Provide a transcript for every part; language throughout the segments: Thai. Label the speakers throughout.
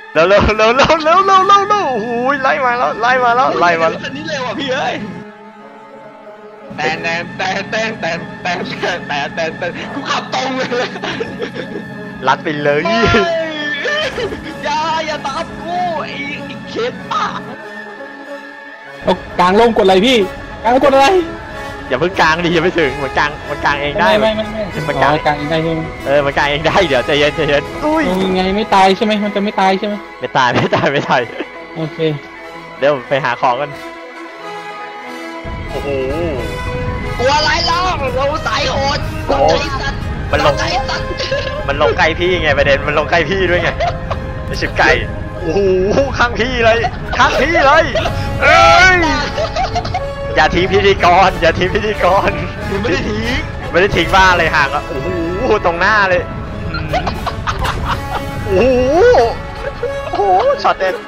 Speaker 1: เร็วโอ้โหไล่มาแล้ว
Speaker 2: อันนี้เร็วอ่ะพี่เอ้ยแต่กูขับตรงเลย
Speaker 1: ลัดไปเลย
Speaker 2: อย่าตามกูไอ้เคสป่ะ
Speaker 3: เอากลางลงกดอะไรพี่กลางกดอะไร
Speaker 1: อย่าเพิ่งกลางดิอย่าไปถึงมันกลางเองได้
Speaker 3: ไม่
Speaker 1: มันกลาง
Speaker 3: เองได้ใช่ไหม
Speaker 1: มันกลางเองได้เดี๋ยวใจเย็นอุ้ย
Speaker 3: ยังไงไม่ตายใช่ไหมมันจะไม่ตายใช่ไหม
Speaker 1: ไม่ตาย
Speaker 3: โอเค
Speaker 1: เดี๋ยวไปหาของกันโอ้โห
Speaker 2: ตัวอะไรเล่าเราสายโหด
Speaker 1: มันลงใกล้พี่ไงประเด็นมันลงใกล้พี่ด้วยไงไอชิบไก่โอ้โหข้างพี่เลยเอ้ยอย่าทิ้งพิธีกร
Speaker 2: ไม่ได้
Speaker 1: ทิ้งบ้าเลยห่างอ่ะโอ้โหตรงหน้าเลยโอ้โหช็อตเด็ด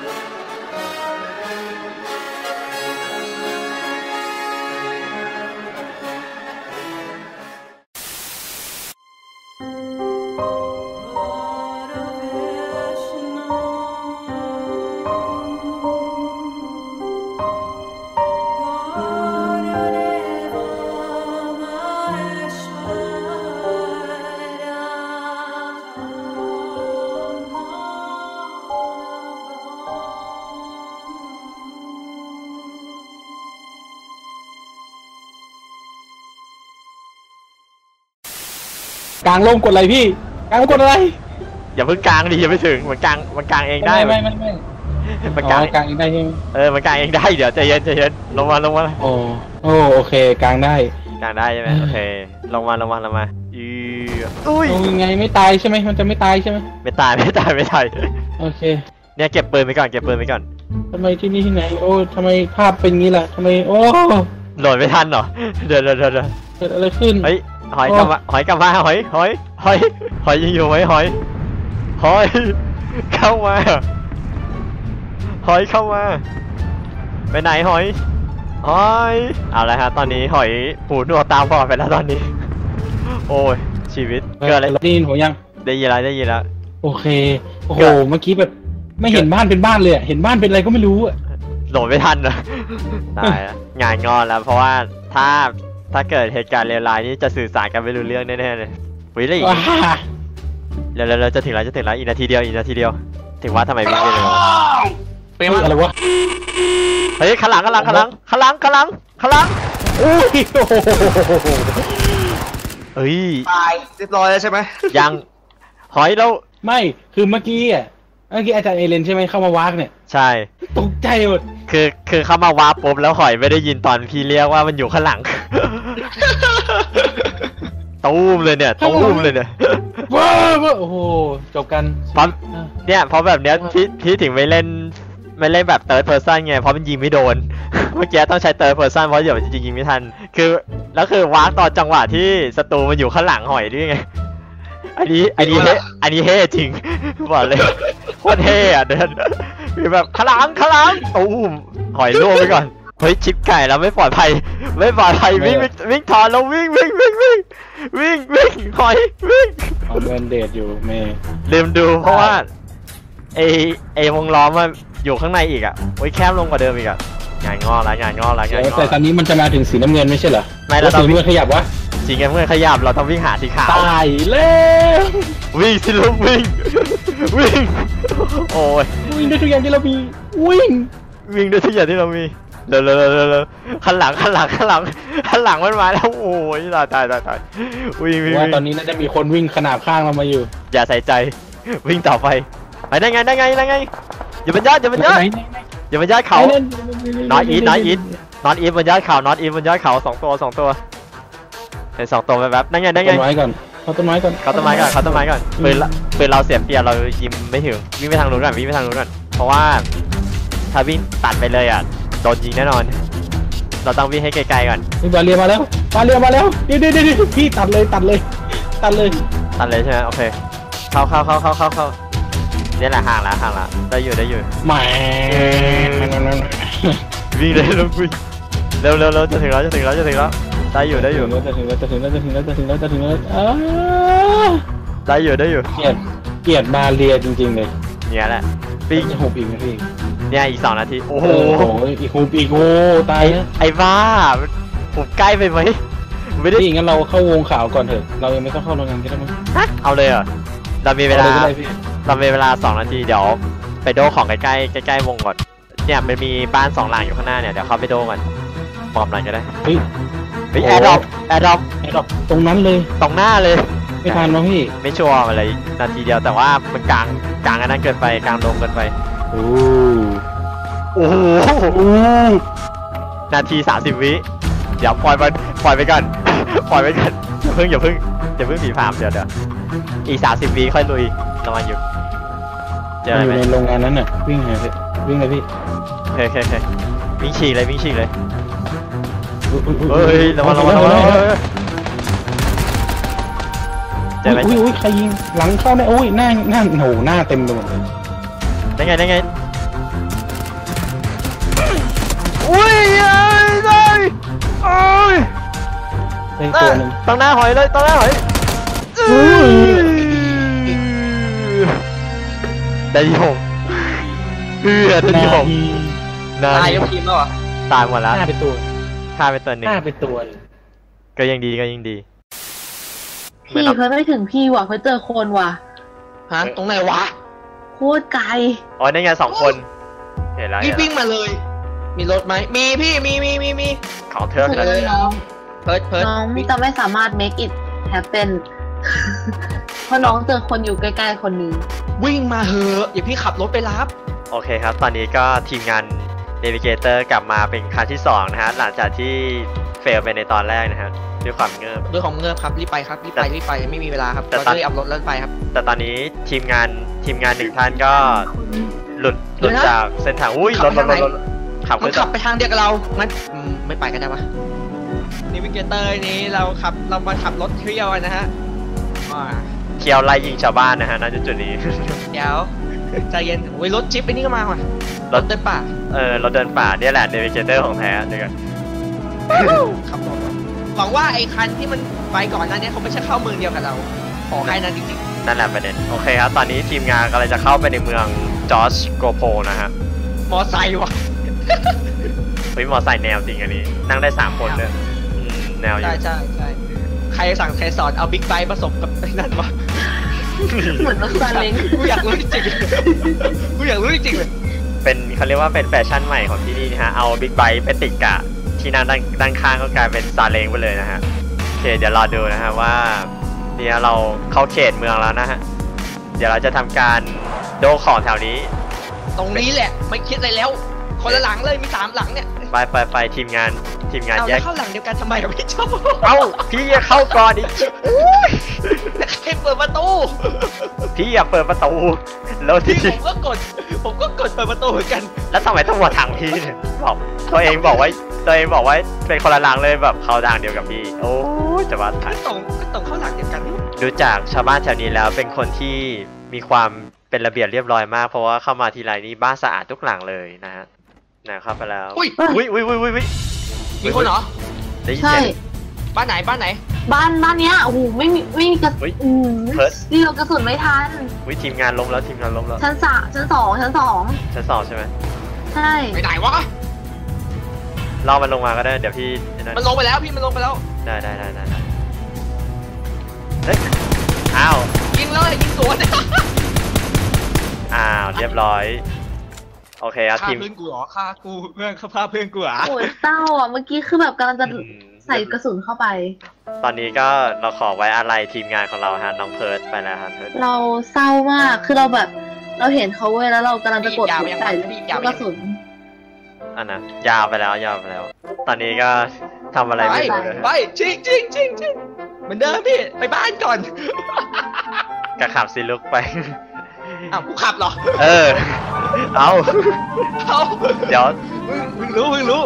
Speaker 3: กลางลงกดอะไรพี่กลางกดอะไร
Speaker 1: อย่าเพิ่งกลางดิอย่าไปถึงมันกลางเองได้
Speaker 3: ไม่
Speaker 1: มันกลาง
Speaker 3: เองได้ใช่ไหม
Speaker 1: มันกลางเองได้เดี๋ยวใจเย็นลงมา
Speaker 3: โอเคกลางได้
Speaker 1: ใช่ไหมโอเคลงมาอุ้ย
Speaker 3: ยังไงไม่ตายใช่ไหมมันจะไม่ตายใช่ไหม
Speaker 1: ไม่ตาย
Speaker 3: โอเค
Speaker 1: เนี่ยเก็บปืนไปก่อน
Speaker 3: ทำไมที่นี่ที่ไหนโอ้ทำไมภาพเป็นงี้ล่ะทำไมโอ้
Speaker 1: โหลดไม่ทันเหรอเดี๋ยว
Speaker 3: เกิดอะไรขึ้น
Speaker 1: เฮ้ยหอยกลับมาหอยยังอยู่ไหมหอยเข้ามาไปไหนหอยเอาละฮะตอนนี้หอยหูหนวกตาบอดไปแล้วตอนนี้โอ้ยชีวิตเกิดอะไร
Speaker 3: ได้ยินผมยัง
Speaker 1: ได้ยินแล้ว
Speaker 3: โอเคโอ้โหเมื่อกี้แบบไม่เห็นบ้านเป็นบ้านเลยเห็นบ้านเป็นอะไรก็ไม่รู้อะ
Speaker 1: โหลดไม่ทันนะตายแล้วงานงอนแล้วเพราะว่าถ้าเกิดเหตุการณ์เลวร้ายนี้จะสื่อสารกันไม่รู้เรื่องแน่ๆเลยวิ่งเลยเราจะถึงแล้วอีกนาทีเดียวถึงว่าทำไมวิ่งไม่เร็ว
Speaker 3: เป็นอะไรวะ
Speaker 1: เฮ้ยข้างหลัง
Speaker 3: อุ้ย
Speaker 1: เฮ้ย
Speaker 2: ตายเรียบร้อยแล้วใช่ไหม
Speaker 1: ยังหอยเรา
Speaker 3: ไม่คือเมื่อกี้อาจารย์เอเลนใช่ไหมเข้ามาวากเนี่ย
Speaker 1: ใช่
Speaker 3: ตกใจหมด
Speaker 1: คือเข้ามาวาร์ปปุ๊บแล้วหอยไม่ได้ยินตอนพี่เรียกว่ามันอยู่ข้างหลังตู้มเลยเนี่ย
Speaker 3: ว้าวโอ้โหจบกัน
Speaker 1: เพราะแบบเนี้ยพี่ถึงไม่เล่นแบบเติร์ดเพอร์ซันไงเพราะมันยิงไม่โดนเมื่อกี้ต้องใช้เติร์ดเพอร์ซันเพราะเดี๋ยวจะยิงไม่ทันแล้วคือวาร์ปตอนจังหวะที่ศัตรูมันอยู่ข้างหลังหอยด้วยไงอันนี้เฮ่จริงบอกเลยโคตรเฮ่อะเดินมีแบบข้างหลังตู้มหอยล่วงไปก่อนเฮ้ยชิปไก่แล้วไม่ปลอดภัยวิ่งถอนแล้ววิ่งหอยวิ่ง
Speaker 3: เอาเดินเดทอยู่เมย์
Speaker 1: ลืมดูเพราะว่าไอวงล้อมมันอยู่ข้างในอีกอ่ะโอ้ยแคบลงกว่าเดิมอีกอ่ะงานงอ
Speaker 3: แต่ตอนนี้มันจะมาถึงสีน้ำเงินไม่ใช่เหรอ
Speaker 1: ไม่เรา
Speaker 3: สีน้ำเงินขยับวะ
Speaker 1: สีน้ำเงินขยับเราต้องวิ่งหาสีขาว
Speaker 3: ตายแล้ว
Speaker 1: วิ่งสิลูกวิ่งโอ้ย
Speaker 3: วิ่งด้วยทุกอย่างที่เรามีวิ่ง
Speaker 1: ด้วยทุกอย่างที่เรามีเร็วข้างหลังมันมาแล้วโอ้ยตายวิ่ง
Speaker 3: ว่าตอนนี้น่าจะมีคนวิ่งขนาบข้างเรามาอยู่
Speaker 1: อย่าใส่ใจวิ่งต่อไปได้ไงอย่าบรรยาทเขาน็อตอีทบรรยาทเขา2 ตัวเห็น2 ตัวแบบนั่นไง
Speaker 3: ต้นไม้ก่อนเขาต้นไม้ก่อน
Speaker 1: ปืนเราเสียเปรียบเรายิงไม่ถึงวิ่งไปทางนู้นก่อนเพราะว่าถ้าวิ่งตัดไปเลยอ่ะโดนยิงแน่นอนเราต้องวิ่งให้ไกลๆก่อน
Speaker 3: บาเรียมาแล้วเดี๋ยวพี่ตัดเลย
Speaker 1: ใช่ไหมโอเคเข้านี่แหละห่างละได้อยู่
Speaker 3: แหม
Speaker 1: วิ่งเลยลูกวิ่งเร็วจะถึงแล้วได้อยู่
Speaker 3: จะถึงแล้ว
Speaker 1: ได้อยู่
Speaker 3: เกลียดบาเรียจริงๆเลย
Speaker 1: เนี่ยแหละปิง
Speaker 3: จะหุบอีกไหมพี่
Speaker 1: เนี่ยอีก2 นาทีโอ้โห
Speaker 3: โอ้โหอีกหุบอีกโอ้ตายแล้ว
Speaker 1: ไอ้บ้าผมใกล้ไปไหมไม่ได้
Speaker 3: พี่งั้นเราเข้าวงข่าวก่อนเถอะเรายังไม่ต้องเข้าโรงงานก็ได้มั้ง
Speaker 1: ฮะเอาเลยเหรอเรามีเวลา
Speaker 3: อก็ได้พี่
Speaker 1: เรามีเวลา2 นาทีเดี๋ยวไปโดของใกล้ๆใกล้ๆวงก่อนเนี่ยมันมีบ้าน2 หลังอยู่ข้างหน้าเนี่ยเดี๋ยวเข้าไปโดก่อนปลอมหน่อยก็ได้
Speaker 3: เฮ้ย
Speaker 1: เฮ้ย
Speaker 3: โอ้
Speaker 1: แอร์ดรอป
Speaker 3: ไอ้ดอกตรงนั้นเลย
Speaker 1: ตรงหน้าเลย
Speaker 3: ไม่ทันวะพี่
Speaker 1: ไม่ชัวร์อะไรนาทีเดียวแต่ว่ามันกลางอันนั้นเกินไปกลางลงเกินไป
Speaker 3: โอ้
Speaker 1: โอ้โห
Speaker 3: โอ้
Speaker 1: นาที30 วิเดี๋ยวปล่อยไปก่อน ปล่อยไปก่อนอย่าเพิ่งผีผามเดี๋ยวอีก30 วิค่อยลุยระวังอยู่เจอ
Speaker 3: มัน
Speaker 1: อะไร
Speaker 3: อยู่
Speaker 1: ไหม
Speaker 3: ในโรงงานนั้นน่ะวิ่งหาพี่วิ่งเลยพี่
Speaker 1: โอเควิ่งฉีกเลย
Speaker 3: อุ๊ย
Speaker 1: เฮ้ยระวังเจอไหม
Speaker 3: อุ้ยใครยิงหลังเข้าได้โอ้ยหน้าโหหน้าเต็มไปหมดเลย
Speaker 1: ได้ไงอุ้ยได้โอ้ย
Speaker 3: ได้ตัวหนึ่ง
Speaker 1: ตั้งหน้าหอยเลยตั้งหน้าหอยได้ที่6ได้ที่6
Speaker 2: ตายยกทีมแล้วเหรอ
Speaker 1: ตายหมดแล้ว
Speaker 3: หน้าเป็นตัว
Speaker 1: ฆ่าไปตัวหนึ่ง
Speaker 3: หน้าเป็นตัว
Speaker 1: ก็ยังดี
Speaker 4: พี่เพิ่งไม่ถึงพี่ว่ะเพิ่งเจอคนว่ะ
Speaker 2: ฮะตรงไหนวะ
Speaker 4: โคตรไกล
Speaker 1: อ๋อได้ไง2 คนเห็นแล้ว
Speaker 2: พี่วิ่งมาเลย มีรถไหมมีพี่มี
Speaker 1: ของเธอ
Speaker 4: สุด
Speaker 1: กัน
Speaker 4: เลยน้อง
Speaker 2: เพิร์ด
Speaker 4: น้องจะไม่สามารถ make it happen เพราะน้องเจอคนอยู่ใกล้ๆคนนี้
Speaker 2: วิ่งมาเหอะอย่าพี่ขับรถไปรับ
Speaker 1: โอเคครับ ตอนนี้ก็ทีมงาน Navigator กลับมาเป็นครั้งที่2นะฮะหลังจากที่เฟลไปในตอนแรกนะฮะด้วยความเงิบ
Speaker 2: ด้วยของเงือบครับรีบไปครับรีบไปไม่มีเวลาครับ
Speaker 1: แต่
Speaker 2: เรา
Speaker 1: ตอน
Speaker 2: จะรีบอัพรถแล้วไปครับ
Speaker 1: แต่ตอนนี้ทีมงาน1 ท่านก็หลุด
Speaker 2: เดี๋ยวนะ
Speaker 1: จากเส้นทางอุ้ย
Speaker 2: ขั
Speaker 1: ร
Speaker 2: บ
Speaker 1: ถ
Speaker 2: ไปทางไหน
Speaker 1: ขับ
Speaker 2: มั
Speaker 1: ขึ้
Speaker 2: น
Speaker 1: น
Speaker 2: ขับไปทางเดียวกับเรางั้นไม่ไปกันได้ปะนิวิเกเตอร์นี้เรามาขับรถเที่ยวกันนะฮะ
Speaker 1: เคียวไล่ยิงชาวบ้านนะฮะณจุดนี้
Speaker 2: เดี๋ยวใจเย็นโอ้ยรถจิ๊ปไอ้นี่ก็มาว่ะรถเดินป่า
Speaker 1: เราเดินป่าเนี่ยแหละ Navigator ของแท้เดี๋ยวกัน
Speaker 2: ขับรถว่ะหวังว่าไอ้คันที่มันไปก่อนหน้านี้เขาไม่ใช่เข้าเมืองเดียวกับเราขอแค่นั้นจริง
Speaker 1: นั่นแหละประเด็นโอเคครับตอนนี้ทีมงานกำลังจะเข้าไปในเมืองจอร์จโกโพนะฮะ
Speaker 2: ๆมอไซค์ว่ะ
Speaker 1: เฮ้ยมอไซค์แนวจริงอันนี้นั่งได้3 คนเลยแนวอยู่
Speaker 2: ใช่ใครสั่งใครสอนเอาบิ๊กไบค์ผสมกับไอ้นั่นวะ
Speaker 4: เหมือนรถซาเล้ง
Speaker 2: กูอยากรู้จริงๆกูอยากรู้จริงๆเลย
Speaker 1: เป็นเขาเรียกว่าเป็นแฟชั่นใหม่ของที่นี่นะฮะเอาบิ๊กไบค์ไปติดกะที่นั่งด้านข้างก็กลายเป็นซาเล้งไปเลยนะฮะโอเคเดี๋ยวรอดูนะฮะว่าเนี่ยเราเข้าเขตเมืองแล้วนะฮะเดี๋ยวเราจะทำการโดของแถวนี้
Speaker 2: ตรงนี้แหละไม่คิดอะไรแล้ว คนละหลังเลยมี3 หลังเนี่ย
Speaker 1: ไปทีมงาน
Speaker 2: เอา
Speaker 1: แย
Speaker 2: แล้ว
Speaker 1: ก
Speaker 2: เข้าหลังเดียวกันทำไมอะพี่ชอบ
Speaker 1: เอ้าพี่อย่าเข้าก่อนอีก
Speaker 2: ใครเปิดประตู
Speaker 1: พี่อย่าเปิดประตูแล้ว
Speaker 2: พี่
Speaker 1: ที่
Speaker 2: ผมก็กดเปิดประตูเหมือนกัน
Speaker 1: แล้วทำไมต้องมาทางพี่เนี่ยบอกตัวเองบอกว่าเป็นคนละหลังเลยแบบเข้าทางเดียวกับพี่โอ้ยจะว่าทัน
Speaker 2: ก็ตรงเข้าหลังเดียวกันนี่
Speaker 1: ดูจากชาวบ้านแถวนี้แล้วเป็นคนที่มีความเป็นระเบียบเรียบร้อยมากเพราะว่าเข้ามาทีไรนี่บ้านสะอาดทุกหลังเลยนะฮะเข้าไปแล้ว
Speaker 2: อุ้ย มีคนเหรอ
Speaker 1: ได้ยิน
Speaker 4: ใช่
Speaker 1: เสียง
Speaker 2: บ้านไหน
Speaker 4: บ้านเนี้ยโอ้โหไม่มีกระ
Speaker 1: เฮ้ย
Speaker 4: อืม
Speaker 1: เพิร์ท
Speaker 4: นี่เรากระสุนไม่ทัน
Speaker 1: ทีมงานล้มแล้วทีมงานล้มแล้ว
Speaker 4: ชั้นสอง
Speaker 1: ชั้นสองใช่ไหม
Speaker 4: ใช่
Speaker 2: ไปไหนวะ
Speaker 1: ล่อมันลงมาก็ได้เดี๋ยวพี่นั่น
Speaker 2: มันลงไปแล้วพี่มันลงไปแล้ว
Speaker 1: ได้เฮ้ยอ้าว
Speaker 2: ยิงเลยยิงสวน
Speaker 1: อ้าวเรียบร้อยโอเคครับ
Speaker 2: ฆ่า
Speaker 1: ทีม
Speaker 2: เพื่อนกูเหรอฆ่ากูเพื่อนฆ่าเพื่อนกูเหรอ
Speaker 4: โอ้ยเศร้าอ่ะเมื่อกี้คือแบบกำลังจะใส่กระสุนเข้าไป
Speaker 1: ตอนนี้ก็เราขอไว้อะไรทีมงานของเราฮะน้องเพิร์ดไปแล้วครับเพิร์ด
Speaker 4: เราเศร้ามากคือเราแบบเราเห็นเขาเว้ยแล้วเรากำลังจะกดใส่ลูกกระสุน
Speaker 1: อันนะยาวไปแล้ว ตอนนี้ก็ทำอะไรไม่รู้เลย
Speaker 2: ไปจริงเหมือนเดิมพี่ไปบ้านก่อน
Speaker 1: กระขับซิลุกไป
Speaker 2: อ้าวกูขับเหรอ
Speaker 1: เออ เอา
Speaker 2: เอา
Speaker 1: เดี๋ยว
Speaker 2: มึงรู้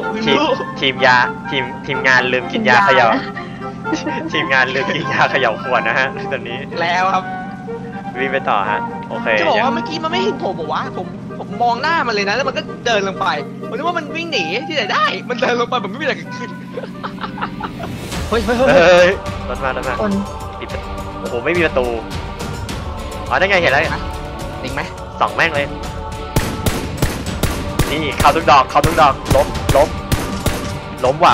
Speaker 1: ทีมงานลืมกินยาเขย่าทีมงานลืมกินยาเขย่าขวดนะฮะตอนนี้
Speaker 2: แล้วครับ
Speaker 1: วิ่งไปต่อฮะโอเค
Speaker 2: จะบอกว่าเมื่อกี้มันไม่เห็นผมบอกว่าผมมองหน้ามันเลยนะแล้วมันก็เดินลงไปผมนึกว่ามันวิ่งหนีที่ไหนได้ มันเดินลงไปแบบไม่มีอะไรเกิดขึ้นเฮ้ย
Speaker 1: รถมา
Speaker 4: คน
Speaker 1: ปิดโอ้โหไม่มีประตูอ๋อได้ไงเห็นแล้ว
Speaker 2: จริงไหม
Speaker 1: สองแม่งเลยนี่เข้าทุกดอกล้มว่ะ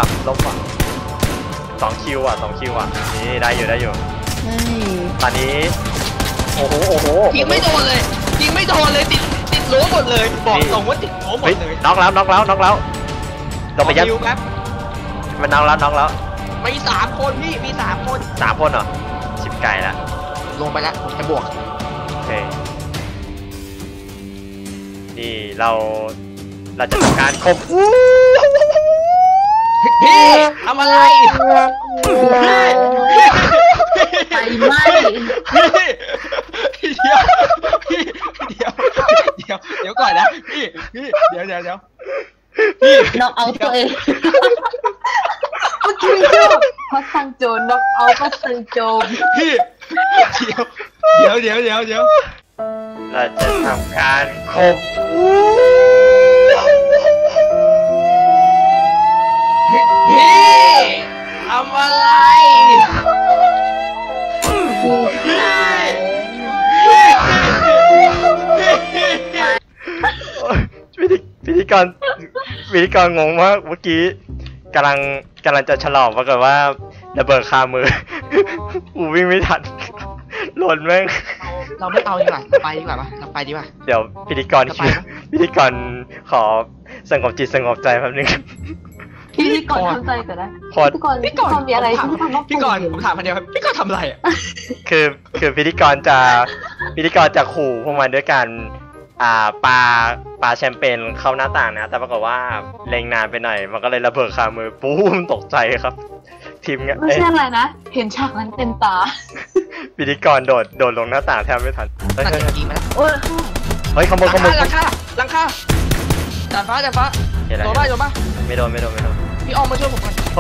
Speaker 1: 2 คิวอ่ะนี่ได้อยู่
Speaker 4: เฮ้ย
Speaker 1: ตอนนี้โอ้โห
Speaker 2: ยิงไม่โดนเลยติดรั้วหมดเลยบอกตรงว่าติดรั้วหมด
Speaker 1: เฮ้ย
Speaker 2: เลย
Speaker 1: น็อกแล้วเราไปยัด
Speaker 2: คิวครับ
Speaker 1: มันน็อกแล้ว
Speaker 2: มี3 คนพี่มี3 คน
Speaker 1: 3 คนเหรอชิบไก่ละ
Speaker 2: ลงไปแล้วผมจะบวก
Speaker 1: โอเคนี่เราจะทำการข่ม
Speaker 2: พี่ทำอะไร
Speaker 4: ไฟไหม้
Speaker 2: พี่เดี๋ยวก่อนนะพี่เดี๋ยว
Speaker 4: น็อกเอาตัวเองเมื่อกี้ก็พัสซังโจน็อกเอาพัสซังโจม
Speaker 2: พี่เดี๋ยว
Speaker 1: เราจะทำการข่ม
Speaker 2: พี่ทำอะไร
Speaker 4: พี่ชาย
Speaker 1: พิธีกรงงมากเมื่อกี้กำลังจะฉลองปรากฏว่าระเบิดคามือกูวิ่งไม่ทันหล่นแม่ง
Speaker 2: เราไม่เอาดีกว่าไปดีกว่าปะเราไปดีกว่า
Speaker 1: เดี๋ยวพิธีกรขอสงบจิตสงบใจแป๊บนึง
Speaker 4: พี่ก่อนทำใจก่อนนะ พี่ก่อนมีอะไรที่ทำว่า
Speaker 2: พี่ก่อนผมถามคนเดียวครับพี่ก่อนทำอะไรอ่ะ
Speaker 1: คือพิธีกรจะขู่พวกมันด้วยการปาแชมเปญเข้าหน้าต่างนะแต่ปรากฏว่าเล็งนานไปหน่อยมันก็เลยระเบิดคามือปุ้มตกใจครับทีมงาน
Speaker 4: ไม่ใช่อะไรนะเห็นฉากนั้นเต็มตา
Speaker 1: พิธีกรโดดลงหน้าต่างแทบไม่ทัน
Speaker 2: น่าจะยิงมาแล้ว
Speaker 4: โอ้ย
Speaker 1: เฮ้ยขโมย
Speaker 2: หลังคาดาดฟ้าโดนป่ะ
Speaker 1: ไม่โดน
Speaker 2: พี่ออมมาช่วยผมก่อน
Speaker 1: โอ้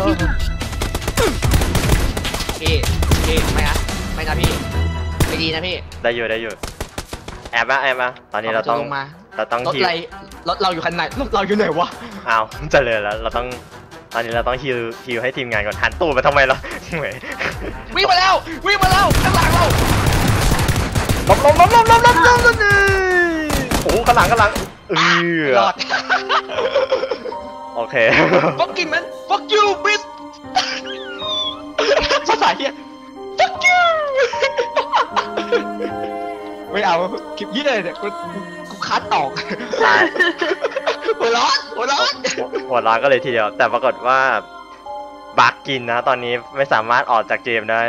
Speaker 2: พี่ไม่นะพี่ไม่ดีนะพี่
Speaker 1: ได้อยู่แอบมาตอนนี้เราต้อง
Speaker 2: ลงมา
Speaker 1: ฮิว
Speaker 2: รถเราอยู่คันไหนรถเราอยู่ไหนวะ
Speaker 1: อ้าวเจริญแล้วตอนนี้เราต้องฮิวให้ทีมงานก่อนหันตู้ไปทำไมล่ะเหมย
Speaker 2: วิ่งมาแล้วข้างหลังเรา
Speaker 1: ล้มโอ้ข้างหลัง
Speaker 2: รอด
Speaker 1: โอเค
Speaker 2: fuck you man fuck you bitch ภาษาเฮีย fuck you ไม่เอาคลิปยี่เลยเนี่ยกูคัดออกหัวร้อน
Speaker 1: หัวร้อนก็เลยทีเดียวแต่ปรากฏว่าบั๊กกินนะตอนนี้ไม่สามารถออกจากเกมได้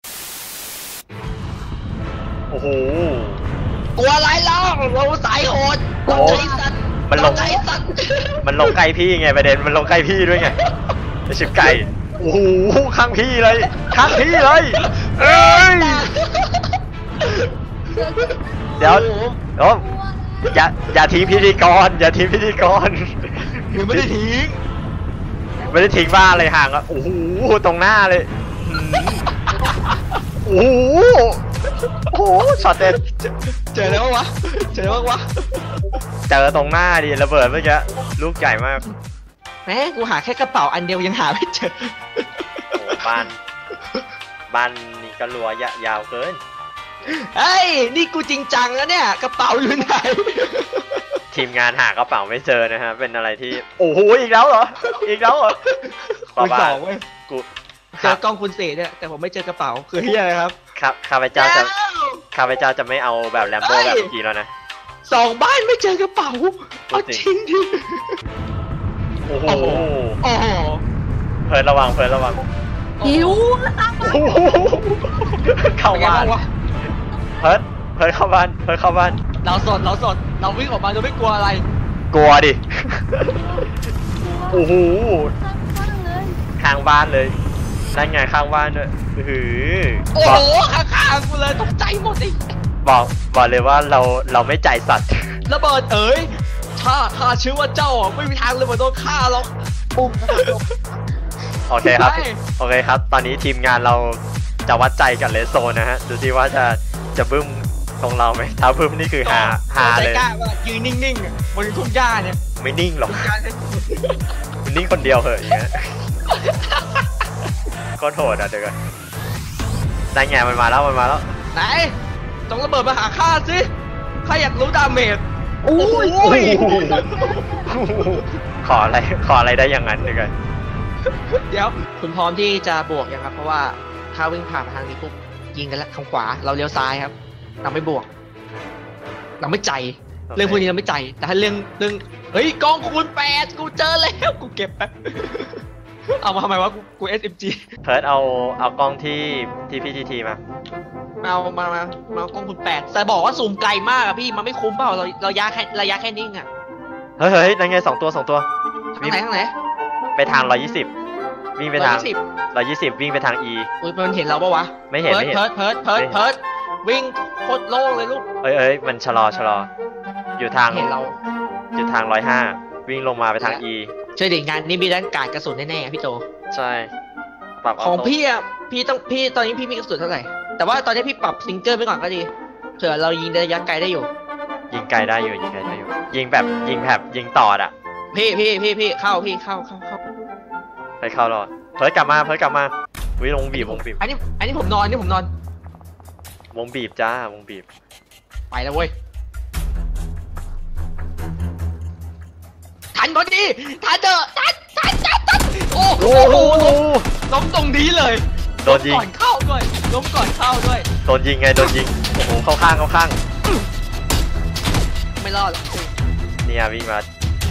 Speaker 1: โอ้โห
Speaker 2: กลัวอะไรเล่าเราสายโหดเราใจสั่น
Speaker 1: มันลงใกล้พี่ไงประเด็นมันลงใกล้พี่ด้วยไงไอชิบไก่โอ้โหข้างพี่เลยเอ้ยเดี๋ยวอย่าทิ้งพิธีกร
Speaker 2: ยังไม่ได้ทิ้ง
Speaker 1: บ้าเลยห่างอ่ะโอ้โหตรงหน้าเลยโอ้โหช็อตเด็ด
Speaker 2: เจอแล้ววะเจอ
Speaker 1: ตรงหน้าดิระเบิดเมื่อกี้ลูกใหญ่มาก
Speaker 2: แม่กูหาแค่กระเป๋าอันเดียวยังหาไม่เจอ
Speaker 1: โอ้บ้านนี่ก็รัวยาวเกิน
Speaker 2: เฮ้ยนี่กูจริงจังแล้วเนี่ยกระเป๋าอยู่ไหน
Speaker 1: ทีมงานหากระเป๋าไม่เจอนะฮะเป็นอะไรที่โอ้โหอีกแล้วเหรอ
Speaker 2: คุณสองเว้ยกูเจอกล้องคุณเสเนี่ยแต่ผมไม่เจอกระเป๋าคือเฮียอะไรครับ
Speaker 1: ข้าพเจ้าจะไม่เอาแบบแลมโบ้แบบเมื่อกี้แล้วนะ
Speaker 2: 2 บ้านไม่เจอกระเป๋าเอาจริงดิ
Speaker 1: โอ้โหเพิร์ดระวัง
Speaker 4: หิว
Speaker 1: เข้าบ้านเพิร์ดเข้าบ้าน
Speaker 2: เราสดเราวิ่งออกมาโดยไม่กลัวอะไร
Speaker 1: กลัวดิโอ้โหข้างบ้านเลยนั่นไงข้างบ้านด้วย
Speaker 2: โอ้โหข้างกูเลยตกใจหมดดิ
Speaker 1: บอกเลยว่าเราไม่ใจสัตว์
Speaker 2: ระเบิดถ้าชื่อว่าเจ้าไม่มีทางระเบิดโดนฆ่าหรอก
Speaker 4: ปุ่ม
Speaker 1: โอเคครับตอนนี้ทีมงานเราจะวัดใจกับเลสโซนนะฮะดูสิว่าจะบึ้มตรงเราไหมถ้าบึ้มนี่คือหาเลย
Speaker 2: ยืนนิ่งๆบนทุ่งหญ้าเนี่ย
Speaker 1: ไม่นิ่งหรอกมันนิ่งคนเดียวเหรออย่างเงี้ยก็โหดอ่ะเดี๋ยวก่อนได้ไงมันมาแล้ว
Speaker 2: ไหนต้องระเบิดมาหาข้าสิข้าอยากรู้ดาเมจ
Speaker 4: โอ้ย
Speaker 2: โอ้ย
Speaker 1: ขออะไรได้อย่างนั้นด้วยกัน
Speaker 2: เดี๋ยวคุณพร้อมที่จะบวกยังครับ เพราะว่าถ้าวิ่งผ่านมาทางนี้ปุ๊บยิงกันแล้วทางขวาเราเลี้ยวซ้ายครับ เราไม่บวก เราไม่ใจ เรื่องพวกนี้เราไม่ใจ แต่ถ้าเรื่องเฮ้ยกล้องคูณ8กูเจอแล้วกูเก็บแป๊บเอามาทำไมวะกู SMG
Speaker 1: เพิร์ดเอากล้องที่พี่ทีมา
Speaker 2: มากล้องคูณ8แต่บอกว่าซูมไกลมากอะพี่มันไม่คุ้มเปล่าเราระยะแค่นิ่งอะ
Speaker 1: เฮ้ยนั่นไง2 ตัว
Speaker 2: ทางไหน
Speaker 1: ไปทาง120วิ่งไปทาง120วิ่งไปทาง E
Speaker 2: อุ้ยมันเห็นเราปะวะ
Speaker 1: ไม่เห็น
Speaker 2: เพิร์ดวิ่งโคตรโล่งเลยลูก
Speaker 1: เอ้ยมันชะลออยู่ทาง
Speaker 2: เห็นเรา
Speaker 1: อยู่ทาง105วิ่งลงมาไปทาง E
Speaker 2: ช่วยดิงานนี่มีด้านการกระสุนแน่ๆพี่โจ
Speaker 1: ใช่ปรับ
Speaker 2: ของ
Speaker 1: โต้
Speaker 2: พี่อ่ะพี่ตอนนี้พี่มีกระสุนเท่าไหร่แต่ว่าตอนนี้พี่ปรับซิงเกิลไปก่อนก็ดีเผื่อเรายิงระยะไกลได้อยู่
Speaker 1: ยิงไกลได้อยู่ยิงแบบยิงต่ออ่ะ
Speaker 2: พี่เข้า
Speaker 1: ไปเข้ารอดเพิร์ดกลับมาวิวงบีบ
Speaker 2: อันนี้ผมนอน
Speaker 1: วงบีบจ้าวงบีบ
Speaker 2: ไปแล้วเว้ยทันพอดีทันเถอะทันโอ้โหล้มตรงนี้เลย
Speaker 1: โดนยิง
Speaker 2: ล้มก่อนเข้าด้วย
Speaker 1: โดนยิงโอ้โหเข้าข้าง
Speaker 2: ไม่รอดหรอก
Speaker 1: เนี่ยวิ่งมา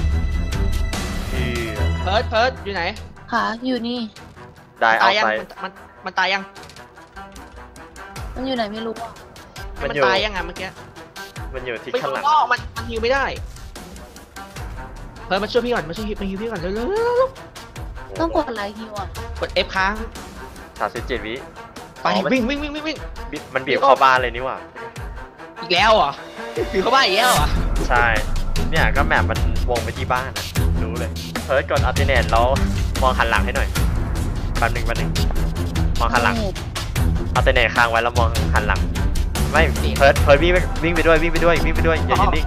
Speaker 2: เพิร์ดอยู่ไหน
Speaker 4: ขาอยู่นี่
Speaker 1: ได้เอา
Speaker 2: ตายยัง
Speaker 1: ไป
Speaker 2: มันตายยัง
Speaker 4: มันอยู่ไหนไม่รู้อ่ะ
Speaker 1: มัน
Speaker 2: มัน
Speaker 1: อยู่
Speaker 2: ตายยังไงเมื่อกี้
Speaker 1: มันอยู่ที่
Speaker 2: ไม่
Speaker 1: ข้างหลัง
Speaker 2: รู้มันฮิวไม่ได้เพิร์ดมาช่วยพี่ก่อนมาฮิวพี่ก่อนเร็ว
Speaker 4: ต้องกดอะไรฮิวอ่ะ
Speaker 2: กด F ค้าง
Speaker 1: 37 วิ
Speaker 2: ไปวิ่ง
Speaker 1: มันบีบเข้าบ้านเลยนี่หว่า
Speaker 2: อีกแล้วเหรอถือเข้าบ้านอีกแล้วเหรอ
Speaker 1: ใช่เนี่ยก็แมปมันวงไปที่บ้านนะรู้เลยเพิร์ดกดอัลติเนตแล้วมองหันหลังให้หน่อยแป๊บนึงมองหันหลังอัลติเนตค้างไว้แล้วมองหันหลังไม่เพิร์ดวิ่งไปด้วยอย่ายืนนิ่ง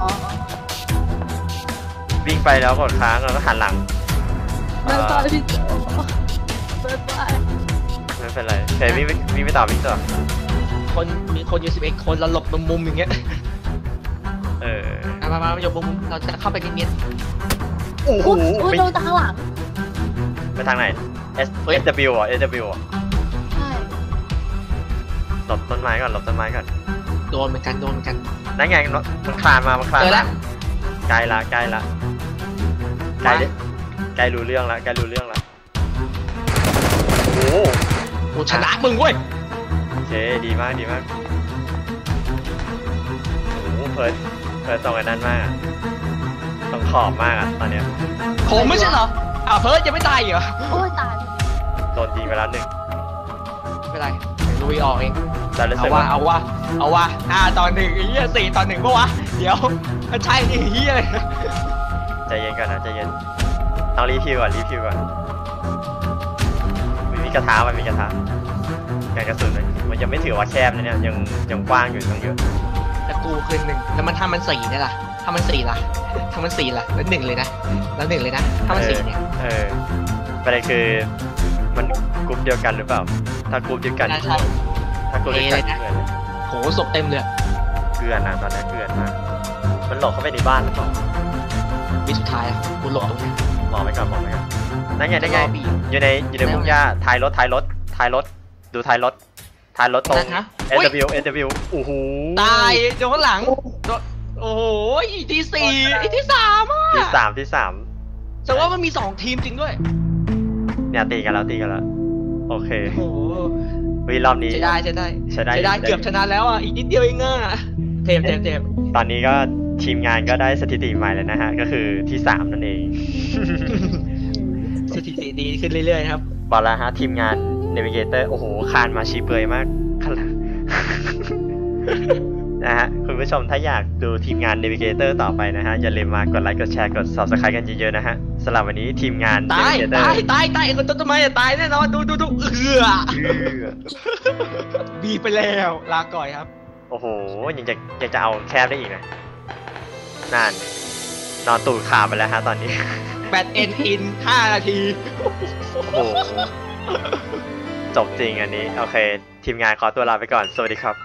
Speaker 1: วิ่งไปแล้วกดค้างแล้วก็หันหลัง
Speaker 4: เดินต่อพี่โจเดินไป
Speaker 1: ไม่เป็นไรเฮ้ยวิ่งไปต่อ
Speaker 2: มีคนอยู่11 คนเราหลบมุมอย่างเงี้ย มาอยู่มุมเราจะเข้าไปเนียน
Speaker 1: โอ้โห
Speaker 4: อุ้ยโดนตาข้างหลัง
Speaker 1: ไปทางไหน SW อ่ะ SW อ่ะ
Speaker 4: ใช่
Speaker 1: หลบต้นไม้ก่อน
Speaker 2: โดนเหมือนกัน
Speaker 1: นั่นไงมันคลานมา
Speaker 2: เจอแล้ว
Speaker 1: ใกล้รู้เรื่องละโอ้โห
Speaker 2: กูชนะมึงเว้ย
Speaker 1: โอเคดีมากโอ้โหเพิร์ดตรงไอ้นั่นมากอะตรงขอบมากอ่ะตอนเนี้ย
Speaker 2: ผมไม่ใช่เหรอเพิร์ดยังไม่ตายเหรอ
Speaker 4: โอ้ยตาย
Speaker 1: โดนยิงไปแล้ว1
Speaker 2: ไม่เป็นไรลุยออกเอง
Speaker 1: แต่รู้สึก
Speaker 2: เอาว่า5 ต่อ 1ไอ้เหี้ย4 ต่อ 1ปะวะเดี๋ยวมันใช่นี่เหี้ยเลย
Speaker 1: ใจเย็นก่อนนะต้องรีพิวก่อนมีกระทะมันมีกระทะการกระสุนมันยังไม่ถือว่าแคบนะเนี่ยยังกว้างอยู่ตั้งเยอะ
Speaker 2: แต่กูคืน1แล้วมันทำมัน4ได้ล่ะถ้ามัน4ล่ะแล้ว1เลยนะถ้ามัน4เนี่ย
Speaker 1: ประเด็นคือมันกลุ่มเดียวกันหรือเปล่าถ้ากลุ่มเดียวกัน
Speaker 2: ใช่
Speaker 1: ถ้ากลุ่มเดียวกัน
Speaker 2: โหศพเต็มเลย
Speaker 1: เกลือนนะตอนนี้เกลือนมากมันหลบเข้าไปในบ้านหรือเปล่า
Speaker 2: วิสุดท้ายกูหลบตรงนี้
Speaker 1: มองไปก่อนนั่นไงอยู่ในพุ่งหญ้าท้ายรถดูท้ายรถตรง SW โอ้โห
Speaker 2: ตายโดนข้างหลังโอ้โหที่4ที่3อ่ะ
Speaker 1: ที่สาม
Speaker 2: แต่ว่ามันมี2 ทีมจริงด้วย
Speaker 1: เนี่ยตีกันแล้วโอเค
Speaker 2: โอ้โห
Speaker 1: วีรอบนี้
Speaker 2: ใช้ได้เกือบชนะแล้วอ่ะอีกนิดเดียวเองอ่ะเทพ
Speaker 1: ตอนนี้ก็ทีมงานก็ได้สถิติใหม่แล้วนะฮะก็คือที่3นั่นเอง
Speaker 2: สถิติดีขึ้นเรื่อยๆครับ
Speaker 1: บอกแล้วฮะทีมงาน Navigator โอ้โหคานมาชี้เปลือยมากขนาด นะฮะคุณผู้ชมถ้าอยากดูทีมงาน Navigator ต่อไปนะฮะอย่าลืมมากดไลค์กดแชร์กด Subscribe กันเยอะๆนะฮะสำหรับวันนี้ทีมงาน Navigator
Speaker 2: ตายคนต้นไม้ตายแน่นอนดูบีไปแล้วลาก่อยครับ
Speaker 1: โอ้โหยังจะเอาแคบได้อีกนะนั่นนอนตูดขาไปแล้วฮะตอนนี้
Speaker 2: แบตเอ็นอิน5 นาที
Speaker 1: โอ้โหจบจริงอันนี้โอเคทีมงานขอตัวลาไปก่อนสวัสดีครับ